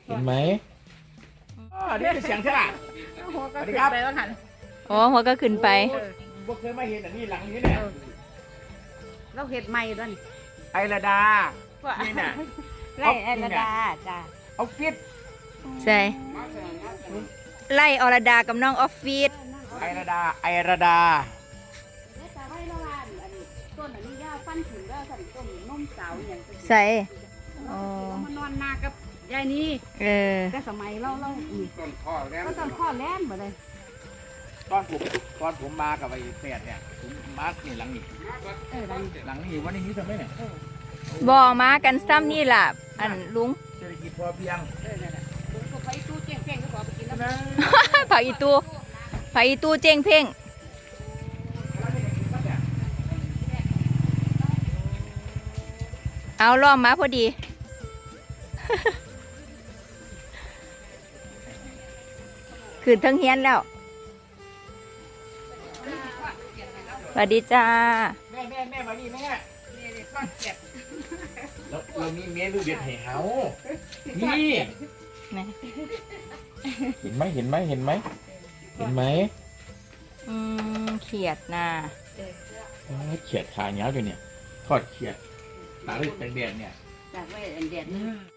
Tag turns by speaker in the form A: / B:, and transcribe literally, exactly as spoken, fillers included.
A: เห็นไหมอ๋อนี่เป็นเสียงใช่ไหม
B: หัวก็ขึ้นไปว่าหัน
C: อ๋อหัวก็ขึ้นไป
A: พวกเคยมาเห็นอันนี้หลังนี้เนี่ย
B: เราเห็ดใหม่ด้วยนี่
A: ไอระดา นี่น่ะ
B: ไล่ไอ้ระดาจ้า
A: ออฟฟิศ
C: ใช่ไล่อรดากับน้องออฟฟิศ
A: ไอระดา ไอระดา
B: แต่ไว้ละว่าอันนี้ต้นอันนี้ยาวฟันถึงแล้วสั่นต้นนมสาวอย่าง
C: ใส่อ๋อ
B: มานอนนากับยายนี่
C: เออ
B: แต่สมัยเราเราอีก
A: ต้นข้อแล้ว
B: ก็ต้นข้อแล่นหมดเลย
A: ตอนผมตอนผมมากับไอ้แฝดเนี่ยผมมานี่หลังนี้
B: เออดัง
A: หลังนี้วันนี้ทำไมเนี่ย
C: บ่มากันซ้ำนี่ล่ะ อันลุง
A: เศรษฐกิจพอเพียง
B: เออนั่นแหละลุงก็ไปตู้เจ๊งเจ๊งก็ขอไปกินแล้ว
A: นะ
C: ผักอีตูผักอีตูเจงเพ่งเอาล้อมมาพอดี ขึ้นทั้งเฮียนแล้วสวัสดีจ้า
A: แม่แม่แม่มานี่แม่
B: นี่นี่ก้อนเก็บ
A: เราเรามีเมนูเด็ดให้เขานี่
C: ไหน
A: เห็นไหมเห็นไหมเห็นไหมเห็นไหม
C: อืมเขียดนา
A: เอ้ยเขียดขาเหนียวอยู่เนี่ยทอดเขียดตาลึกแดงๆเนี่ย
B: จากไว้อันเดียด